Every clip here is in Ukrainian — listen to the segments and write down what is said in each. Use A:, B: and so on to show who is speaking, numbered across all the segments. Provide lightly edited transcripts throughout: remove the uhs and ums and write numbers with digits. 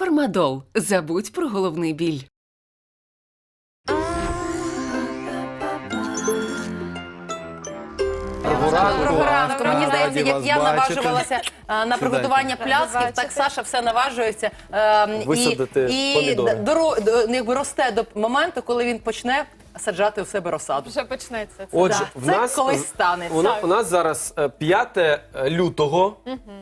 A: Фармадол. Забудь про головний біль.
B: Доброго ранку. Мені здається,
C: раді
B: як
C: вас
B: я
C: бачити.
B: наважувалася на приготування пляцків, так Саша все наважується.
C: Висадити помідори.
B: Якби росте до моменту, коли він почне саджати у себе розсаду.
D: Вже почнеться.
C: Отже,
B: Да,
C: в
B: це
C: нас,
B: колись станеться.
C: у нас зараз 5 лютого,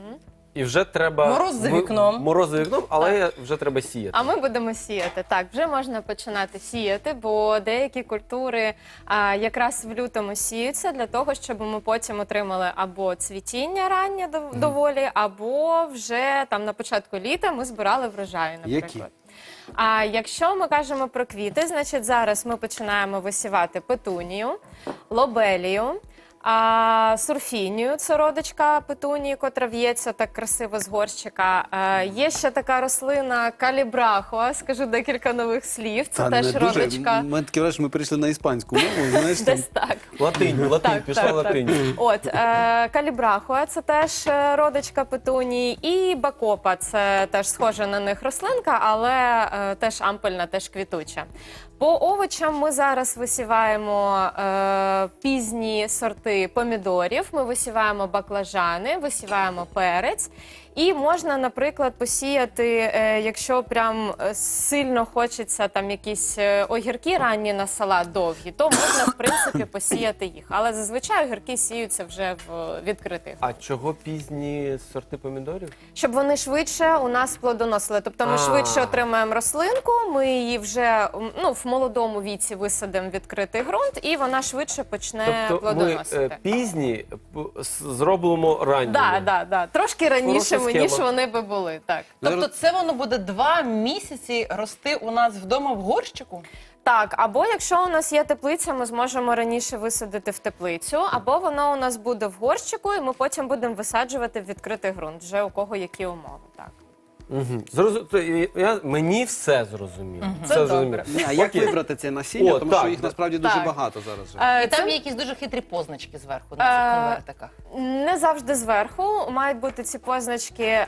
C: і вже треба...
B: Мороз за вікном.
C: Мороз за вікном, але вже треба сіяти.
D: А ми будемо сіяти. Так, вже можна починати сіяти, бо деякі культури якраз в лютому сіються для того, щоб ми потім отримали або цвітіння раннє доволі, або вже там на початку літа ми збирали врожаї, наприклад.
C: Які?
D: А якщо ми кажемо про квіти, значить зараз ми починаємо висівати петунію, лобелію, сурфінію, це родичка петунії, котра в'ється так красиво з горщика. Є ще така рослина калібрахоа, скажу декілька нових слів, це теж родичка.
E: Ми таке враження, ми перейшли на іспанську мову, знаєш, там.
D: Десь так.
C: Латинь,
D: Так,
C: пішла
D: так,
C: латинь.
D: От, калібрахоа – це теж родичка петунії, і бакопа – це теж схожа на них рослинка, але теж ампельна, теж квітуча. По овочам ми зараз висіваємо пізні сорти помідорів, ми висіваємо баклажани, висіваємо перець. І можна, наприклад, посіяти, якщо прям сильно хочеться там якісь огірки ранні на салат довгі, то можна, в принципі, посіяти їх. Але зазвичай огірки сіються вже в відкритих.
C: А чого пізні сорти помідорів?
D: Щоб вони швидше у нас плодоносили. Тобто ми швидше отримаємо рослинку, ми її вже в молодому віці висадимо в відкритий ґрунт, і вона швидше почне плодоносити.
C: Тобто ми пізні зробимо ранні.
D: Так. Трошки раніше,
C: Хороша
D: ніж
C: схема.
D: вони би були. Так.
B: Тобто це воно буде 2 місяці рости у нас вдома в горщику?
D: Так, або якщо у нас є теплиця, ми зможемо раніше висадити в теплицю, або воно у нас буде в горщику, і ми потім будемо висаджувати в відкритий ґрунт, вже у кого які умови. Так.
C: Мені все зрозуміло.
B: Це
C: Все
B: добре.
C: зрозуміло.
E: Ні, а як
C: Окей.
E: вибрати це насіння,
C: О,
E: тому
C: так,
E: що їх насправді дуже
D: так.
E: багато зараз. Вже.
B: І там є якісь дуже хитрі позначки зверху на цих конвертиках.
D: Не завжди зверху. Мають бути ці позначки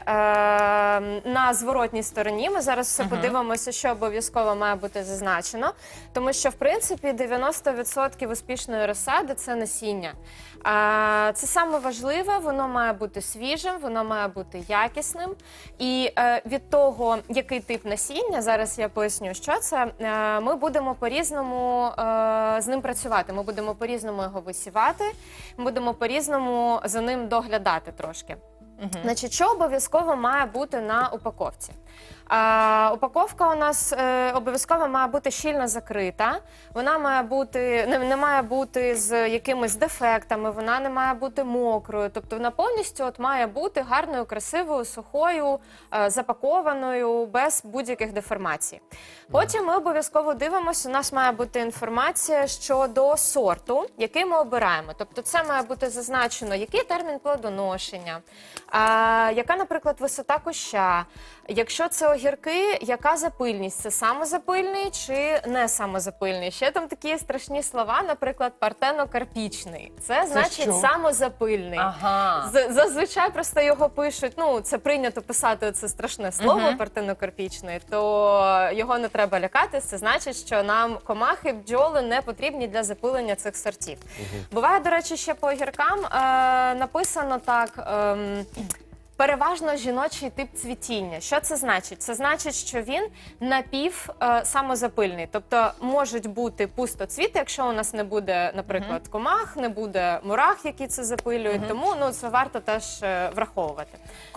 D: на зворотній стороні. Ми зараз все подивимося, що обов'язково має бути зазначено. Тому що, в принципі, 90% успішної розсади – це насіння. Це саме важливе, воно має бути свіжим, воно має бути якісним. І від того, який тип насіння, зараз я поясню, що це, ми будемо по-різному з ним працювати. Ми будемо по-різному його висівати, ми будемо по-різному за ним доглядати трошки. Значить, що обов'язково має бути на упаковці? Упаковка у нас обов'язково має бути щільно закрита, вона має бути, не має бути з якимись дефектами, вона не має бути мокрою, тобто вона повністю має бути гарною, красивою, сухою, запакованою, без будь-яких деформацій. Потім ми обов'язково дивимося, у нас має бути інформація щодо сорту, який ми обираємо. Тобто це має бути зазначено, який термін плодоношення, яка, наприклад, висота куща, якщо це огірки, яка запильність? Це самозапильний чи не самозапильний? Ще там такі страшні слова, наприклад, партенокарпічний. Це значить
B: що?
D: самозапильний.
B: Ага.
D: Зазвичай просто його пишуть, це прийнято писати це страшне слово партенокарпічний, то його не треба лякатись, це значить, що нам комахи, бджоли не потрібні для запилення цих сортів. Буває, до речі, ще по огіркам написано так... Переважно жіночий тип цвітіння. Що це значить? Це значить, що він самозапильний. Тобто можуть бути пустоцвіти, якщо у нас не буде, наприклад, комах, не буде мурах, які це запилюють. Тому це варто теж враховувати.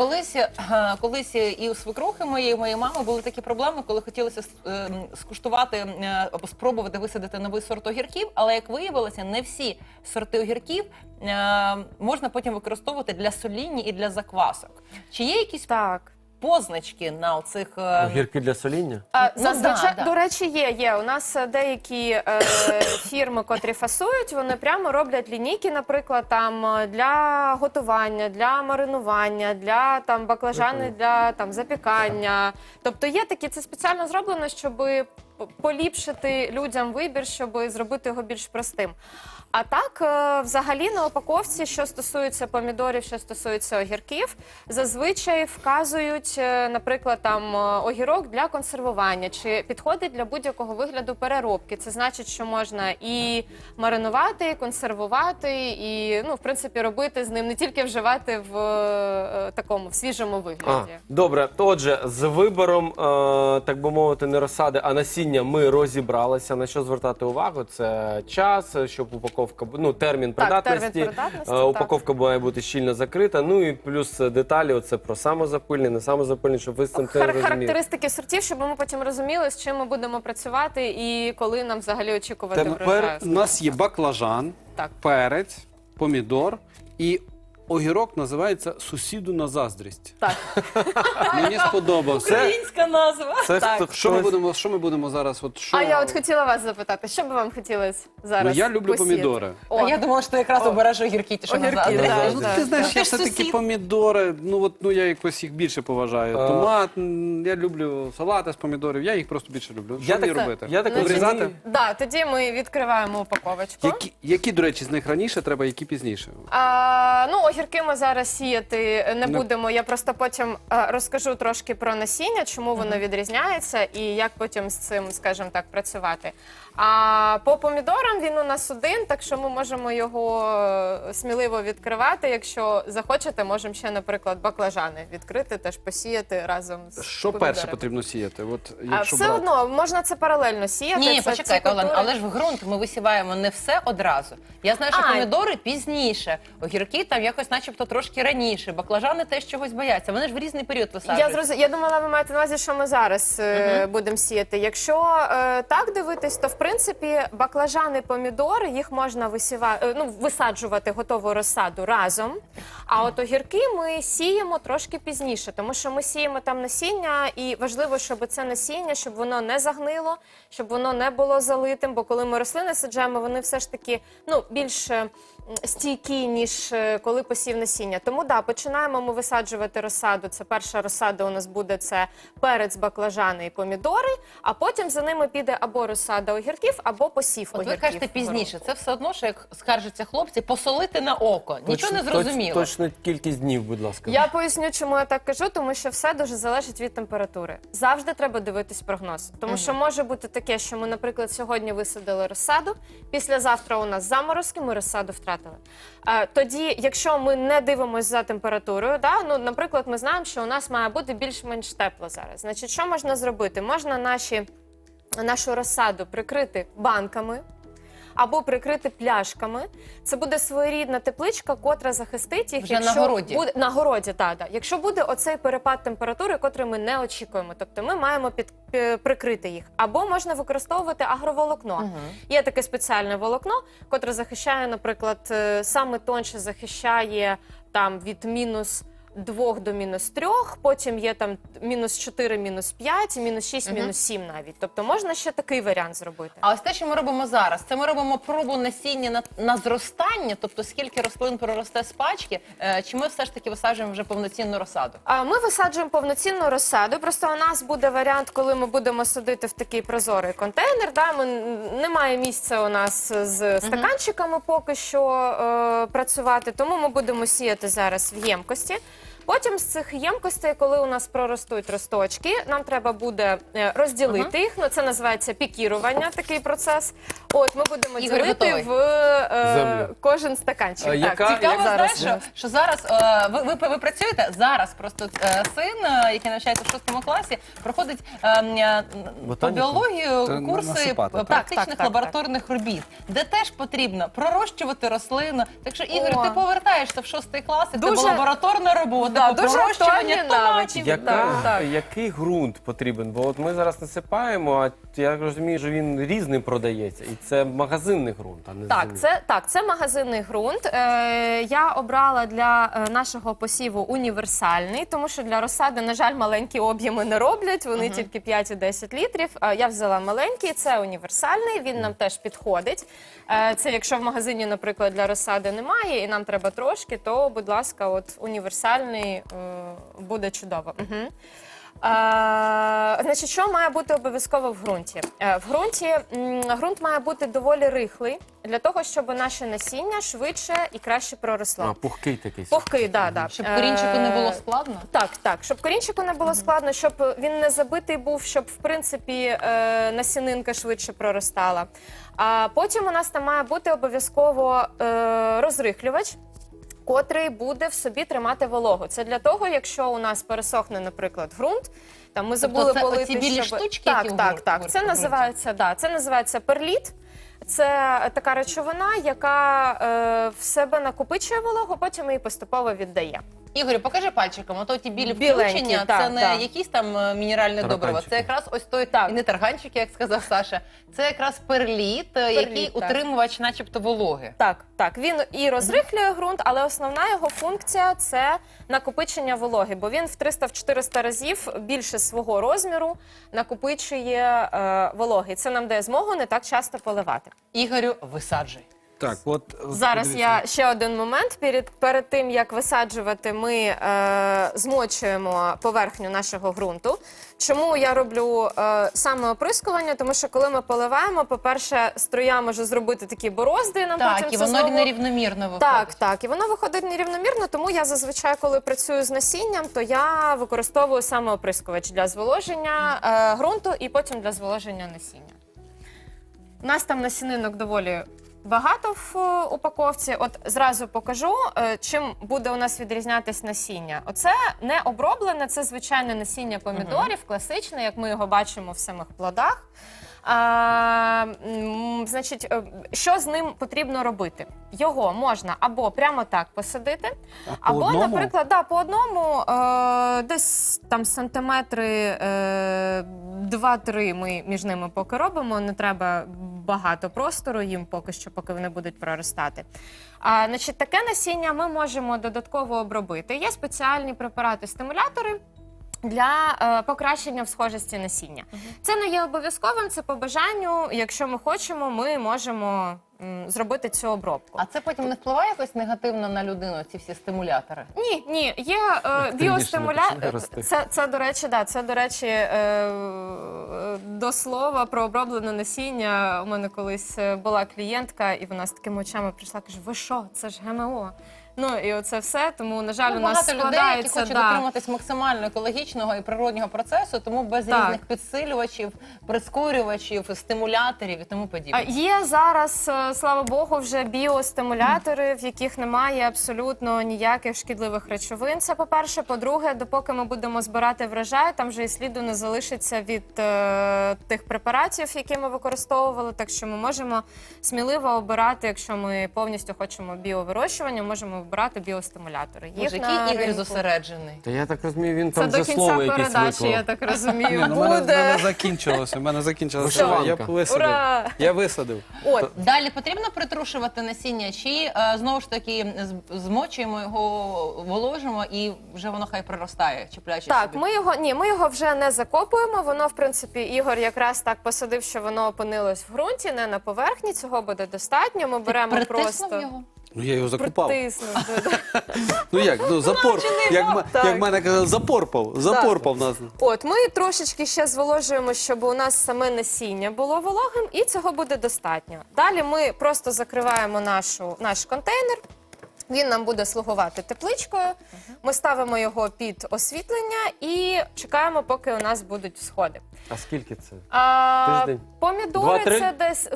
B: Колись і у свекрухи моєї мами були такі проблеми, коли хотілося скуштувати або спробувати висадити новий сорт огірків, але, як виявилося, не всі сорти огірків можна потім використовувати для соління і для заквасок. Чи є якісь позначки на оцих...
C: Огірки для соління?
D: Зазвичай, до речі, є. У нас деякі фірми, котрі фасують, вони прямо роблять лінійки, наприклад, там для готування, для маринування, для баклажани, для запікання. Тобто є такі, це спеціально зроблено, щоб поліпшити людям вибір, щоб зробити його більш простим. А так, взагалі на упаковці, що стосується помідорів, що стосується огірків, зазвичай вказують, наприклад, там огірок для консервування, чи підходить для будь-якого вигляду переробки. Це значить, що можна і маринувати, і консервувати, і, ну, в принципі, робити з ним, не тільки вживати в такому, в свіжому вигляді.
C: Добре, отже, з вибором, так би мовити, не розсади, а насіння ми розібралися. На що звертати увагу? Це час, щоб упаковка, ну, термін придатності.
D: термін придатності, так.
C: Упаковка має бути щільно закрита. Ну і плюс деталі, оце про самозапильне, не самозапильне, щоб ви з цим теж розуміли.
D: Характеристики сортів, щоб ми потім розуміли, з чим ми будемо працювати і коли нам взагалі очікувати
E: Тепер
D: врожаю.
E: у нас є баклажан,
D: Так.
E: перець, помідор і огірок називається «Сусіду на заздрість».
D: Так.
E: Мені сподобався.
B: Українська назва.
C: Це
D: Так.
C: хто-
E: Що ми
C: хтось-
E: будемо, що ми будемо зараз? От що...
D: А я от хотіла вас запитати, що би вам хотілося
E: Ну,
D: зараз
E: я люблю
D: посіяти?
E: помідори.
B: А я думала, що ти якраз обереш огірки, ті, що
D: Огірки,
B: назад.
D: так.
E: Ну,
D: так.
E: ти знаєш,
B: Ти
E: я
B: ж
E: все-таки
B: сусід.
E: помідори, я якось їх більше поважаю. Томат, я люблю салати з помідорів, я їх просто більше люблю. Що мені робити?
C: Я так
D: Значить,
E: Вирізати?
D: Да, тоді ми відкриваємо упаковочку.
E: Які, до речі, з них раніше треба, які пізніше?
D: Ну, огірки ми зараз сіяти не будемо. Я просто потім розкажу трошки про насіння, чому воно відрізняється і як потім з цим, скажімо так, працювати. А по помідорам він у нас один, так що ми можемо його сміливо відкривати. Якщо захочете, можемо ще, наприклад, баклажани відкрити, теж посіяти разом з
E: Що
D: помідорами.
E: перше потрібно сіяти? От,
D: А
E: якщо
D: все
E: брати.
D: одно можна це паралельно сіяти.
B: Ні,
D: це
B: почекай,
D: ці
B: Олен,
D: культури.
B: але ж в ґрунт ми висіваємо не все одразу. Я знаю, що
D: А.
B: помідори пізніше, огірки там якось начебто трошки раніше, баклажани теж чогось бояться. Вони ж в різний період висаджують.
D: Я думала, ви маєте на увазі, що ми зараз будемо сіяти. Якщо так дивитись, то в принципі баклажани, помідори, їх можна висаджувати готову розсаду разом. А от огірки ми сіємо трошки пізніше, тому що ми сіємо там насіння, і важливо, щоб це насіння, щоб воно не загнило, щоб воно не було залитим, бо коли ми рослини саджаємо, вони все ж таки більш стійкі, ніж коли посів насіння. Тому починаємо ми висаджувати розсаду. Це перша розсада у нас буде це перець, баклажани і помідори, а потім за ними піде або розсада огірків, або посів
B: От
D: огірків.
B: ви кажете пізніше, це все одно, що як скаржаться хлопці, посолити на око. Нічого не зрозуміло.
C: Точно кількість днів, будь ласка.
D: Я поясню, чому я так кажу, тому що все дуже залежить від температури. Завжди треба дивитись прогноз. Тому що може бути таке, що ми, наприклад, сьогодні висадили розсаду, післязавтра у нас заморозки, ми розсаду втратили. Тоді, якщо ми не дивимося за температурою, наприклад, ми знаємо, що у нас має бути більш-менш тепло зараз. Значить, що можна зробити? Можна нашу розсаду прикрити банками, або прикрити пляшками. Це буде своєрідна тепличка, котра захистить їх.
B: Вже на городі.
D: На городі, так. Якщо буде оцей перепад температури, котрий ми не очікуємо, тобто ми маємо прикрити їх. Або можна використовувати агроволокно. Є таке спеціальне волокно, котре захищає, наприклад, саме тонше захищає там від -2 до -3, потім є там -4, -5, -6, -7 навіть. Тобто можна ще такий варіант зробити.
B: А ось те, що ми робимо зараз, це ми робимо пробу насіння на зростання, тобто скільки рослин проросте з пачки, чи ми все ж таки висаджуємо вже повноцінну розсаду?
D: Ми висаджуємо повноцінну розсаду, просто у нас буде варіант, коли ми будемо садити в такий прозорий контейнер. Немає місця у нас з стаканчиками поки що працювати, тому ми будемо сіяти зараз в ємкості. Потім з цих ємкостей, коли у нас проростуть росточки, нам треба буде розділити їх. Це називається пікірування, такий процес. От ми будемо
B: Ігор
D: ділити
B: готовий.
D: в кожен стаканчик.
B: Цікаво,
D: зараз.
B: знаєш, що зараз ви працюєте, зараз просто син, який навчається в 6 класі, проходить по
C: Ботаніку?
B: біологію
E: Це
B: курси
E: насипати, так?
B: практичних
D: Так.
B: лабораторних робіт, де теж потрібно пророщувати рослину. Так що, Ігор,
D: О.
B: ти повертаєшся в 6 клас, і в тебе
D: Дуже-
B: лабораторна робота по
D: дуже
B: пророщуванню
D: актуальні
B: томатів.
D: навички.
C: Який ґрунт потрібен? Бо от ми зараз насипаємо, а я розумію, що він різним продається. І це магазинний ґрунт, а не землі.
D: Це магазинний ґрунт. Я обрала для нашого посіву універсальний, тому що для розсади, на жаль, маленькі об'єми не роблять, вони тільки 5 і 10 літрів. Я взяла маленький, це універсальний, він нам теж підходить. Це якщо в магазині, наприклад, для розсади немає і нам треба трошки, то, будь ласка, от універсальний буде чудово. Значить, що має бути обов'язково в ґрунті? В ґрунті ґрунт має бути доволі рихлий, для того, щоб наше насіння швидше і краще проросло.
C: Пухкий такий.
D: Пухкий, да.
B: Щоб корінчику не було складно?
D: Так, щоб корінчику не було складно, щоб він не забитий був, щоб, в принципі, насінинка швидше проростала. А потім у нас там має бути обов'язково розрихлювач, котрий буде в собі тримати вологу. Це для того, якщо у нас пересохне, наприклад, ґрунт, там ми забули
B: це
D: полити,
B: оці білі штучки, які в
D: Так.
B: ґрунті?
D: Це називається перліт. Це така речовина, яка в себе накопичує вологу, потім її поступово віддає.
B: Ігорю, покажи пальчиком. Ото ті білі
D: Біленькі,
B: включення,
D: так,
B: це не
D: так.
B: якісь там мінеральне добриво.
C: Тараканчики.
B: Це якраз ось той,
D: Так.
B: і не тарганчики, як сказав Саша. Це якраз перліт, який
D: так.
B: утримувач начебто вологи.
D: Так. Він і розрихлює ґрунт, але основна його функція – це накопичення вологи, бо він в 300-400 разів більше свого розміру накопичує вологи. Це нам дає змогу не так часто поливати.
B: Ігорю, висаджуй.
E: Так, от
D: Зараз
E: подивіться.
D: я ще один момент. Перед тим, як висаджувати, ми змочуємо поверхню нашого ґрунту. Чому я роблю саме оприскування? Тому що коли ми поливаємо, по-перше, струя може зробити такі борозди, нам
B: Так,
D: потім
B: і
D: це
B: воно
D: знову...
B: нерівномірно виходить.
D: Так, і воно виходить нерівномірно, тому я зазвичай, коли працюю з насінням, то я використовую саме оприскувач для зволоження ґрунту і потім для зволоження насіння. У нас там насінинок доволі багато в упаковці. От зразу покажу, чим буде у нас відрізнятись насіння. Оце не оброблене, це звичайне насіння помідорів, класичне, як ми його бачимо в самих плодах. Значить, що з ним потрібно робити? Його можна або прямо так посадити, або,
E: одному?
D: наприклад, по одному, десь там сантиметри 2-3 ми між ними поки робимо, не треба багато простору їм поки що, поки вони будуть проростати. Значить, таке насіння ми можемо додатково обробити. Є спеціальні препарати-стимулятори для покращення всхожості насіння. Це не є обов'язковим, це по бажанню. Якщо ми хочемо, ми можемо зробити цю обробку.
B: А це потім не впливає якось негативно на людину, ці всі стимулятори?
D: Ні, є
C: починає
D: біостимулятор.
C: рости.
D: Це, до речі, до слова про оброблене насіння. У мене колись була клієнтка, і вона з такими очами прийшла, каже: ви що, це ж ГМО. Ну, і оце все, тому, на жаль, у нас
B: Багато людей, які
D: складається...
B: хочуть дотриматись максимально екологічного і природнього процесу, тому без
D: Так.
B: різних підсилювачів, прискорювачів, стимуляторів і тому подібне.
D: Є зараз, слава Богу, вже біостимулятори, в яких немає абсолютно ніяких шкідливих речовин. Це, по-перше. По-друге, допоки ми будемо збирати врожай, там вже і сліду не залишиться від тих препаратів, які ми використовували. Так що ми можемо сміливо обирати, якщо ми повністю хочемо біовирощування, можемо обирати біостимулятори. Їх
B: Боже,
D: на
B: який Ігор
D: ринку.
B: зосереджений.
C: Та я так розумію, він
D: Це
C: там
D: до
C: вже слово
D: кінця
C: якесь
D: передачі, я
C: виклав.
D: так розумію,
E: Ні, ну, в мене
D: буде.
E: закінчилося. В мене закінчилося.
C: Вишиванка.
E: Я висадив.
D: Ура!
E: Я висадив.
D: От.
B: Далі потрібно притрушувати насіння, чи знову ж таки змочуємо його, воложимо і вже воно хай проростає, чіпляючи
D: Так,
B: собі?
D: ми його вже не закопуємо. Воно, в принципі, Ігор якраз так посадив, що воно опинилось в ґрунті, не на поверхні. Цього буде достатньо. Ми беремо
B: Притиснув
D: просто
B: його?
E: Ну я його закупав.
D: притиснув.
E: Ну як, ну запор.
D: Так.
E: Як мене казали, запорпав нас.
D: От, ми трошечки ще зволожуємо, щоб у нас саме насіння було вологим, і цього буде достатньо. Далі ми просто закриваємо наш контейнер. Він нам буде слугувати тепличкою. Ми ставимо його під освітлення і чекаємо, поки у нас будуть всходи.
C: А скільки це? Тиждень?
D: Помідори
C: 2-3?
D: це десь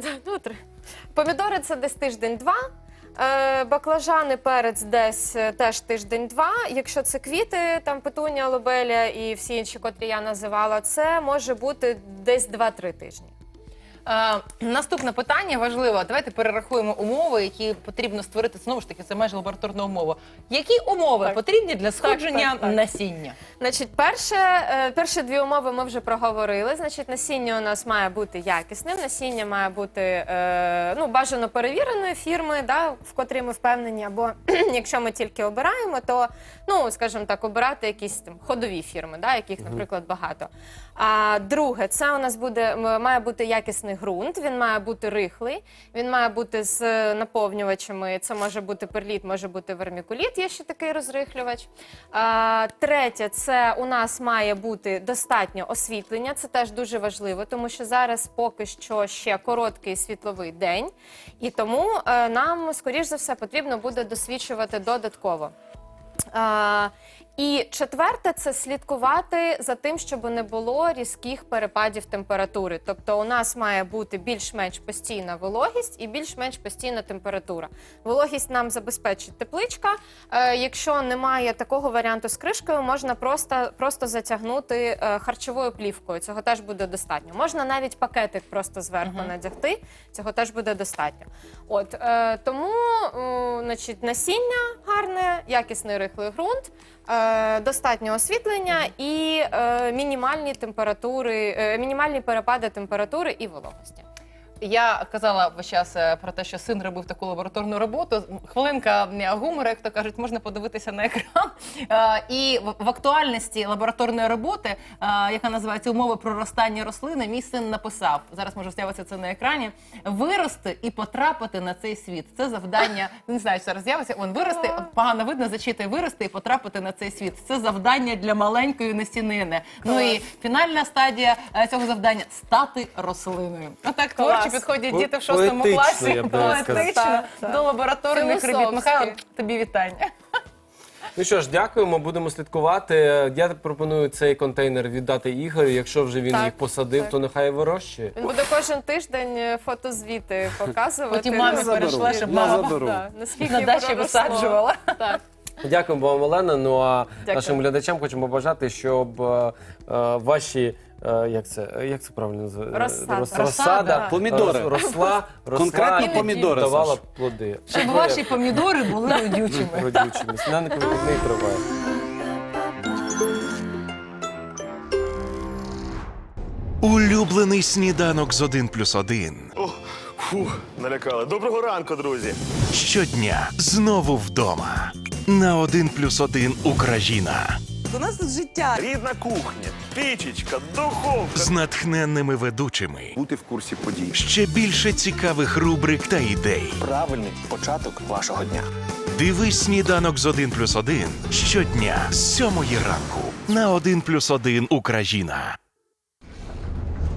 D: помідори це десь тиждень-два. Баклажани, перець десь теж тиждень-два. Якщо це квіти, там петунія, лобеля і всі інші, котрі я називала, це може бути десь 2-3 тижні.
B: Наступне питання важливе. Давайте перерахуємо умови, які потрібно створити. Знову ж таки, це майже лабораторна умова. Які умови
D: Так.
B: потрібні для сходження
D: так.
B: насіння?
D: Значить, перші дві умови ми вже проговорили. Значить, насіння у нас має бути якісним, насіння має бути бажано перевіреної фірми, да, в котрій ми впевнені, або якщо ми тільки обираємо, то, скажімо так, обирати якісь там ходові фірми, да, яких, наприклад, багато. А друге, це у нас має бути якісний ґрунт, він має бути рихлий, він має бути з наповнювачами. Це може бути перліт, може бути вермікуліт, є ще такий розрихлювач. Третє, це у нас має бути достатньо освітлення, це теж дуже важливо, тому що зараз поки що ще короткий світловий день, і тому нам, скоріш за все, потрібно буде досвічувати додатково. І четверте – це слідкувати за тим, щоб не було різких перепадів температури. Тобто у нас має бути більш-менш постійна вологість і більш-менш постійна температура. Вологість нам забезпечить тепличка. Якщо немає такого варіанту з кришкою, можна просто затягнути харчовою плівкою. Цього теж буде достатньо. Можна навіть пакетик просто зверху надягти. Цього теж буде достатньо. Тому значить, насіння гарне, якісний рихлий ґрунт, достатньо освітлення і мінімальні перепади температури і вологості.
B: Я казала весь час про те, що син робив таку лабораторну роботу. Хвилинка гумору, як то кажуть, можна подивитися на екран. І в актуальності лабораторної роботи, яка називається «Умови проростання рослини», мій син написав, зараз може з'явитися це на екрані, вирости і потрапити на цей світ. Це завдання, не знаю, що зараз з'явиться, вирости, погано видно, зачитує, вирости і потрапити на цей світ. Це завдання для маленької насінини. Ну і фінальна стадія цього завдання – стати рослиною. Отак творчо підходять діти в 6
C: Поетично,
B: класі,
C: я б навіть сказав.
B: поетично, до лабораторних робіт.
D: Філософськи.
B: Михайло, тобі вітання.
C: Ну що ж, дякуємо, будемо слідкувати. Я пропоную цей контейнер віддати Ігорю. Якщо вже він
D: Так,
C: їх посадив,
D: так.
C: то нехай вирощує.
D: Він буде кожен тиждень фотозвіти показувати.
B: Потім мамі
D: наскільки-
B: перейшла, щоб
E: Я
B: мама
E: заберу.
D: Да, наскільки
B: на дачі
D: проросло.
B: висаджувала.
D: Так.
C: Дякуємо вам, Олена. Ну а
D: Дякую.
C: нашим глядачам хочемо побажати, щоб ваші як це правильно називається?
D: Розсада.
B: Розсада.
E: Помідори.
C: Росла
E: Конкретно
C: і
E: помідори,
C: давала
E: Саш.
C: плоди.
B: Щоб ваші помідори були родючими.
C: Родючими. Сніданок вихідний триває.
F: Улюблений сніданок з 1+1.
G: О, фух, налякали. Доброго ранку, друзі.
F: Щодня знову вдома. На 1+1 Україна.
H: У нас тут життя.
G: Рідна кухня, пічечка, духовка.
F: З натхненними ведучими.
I: Бути в курсі подій.
F: Ще більше цікавих рубрик та ідей.
I: Правильний початок вашого дня.
F: Дивись сніданок з 1+1 щодня з 7 ранку. На 1+1 Україна.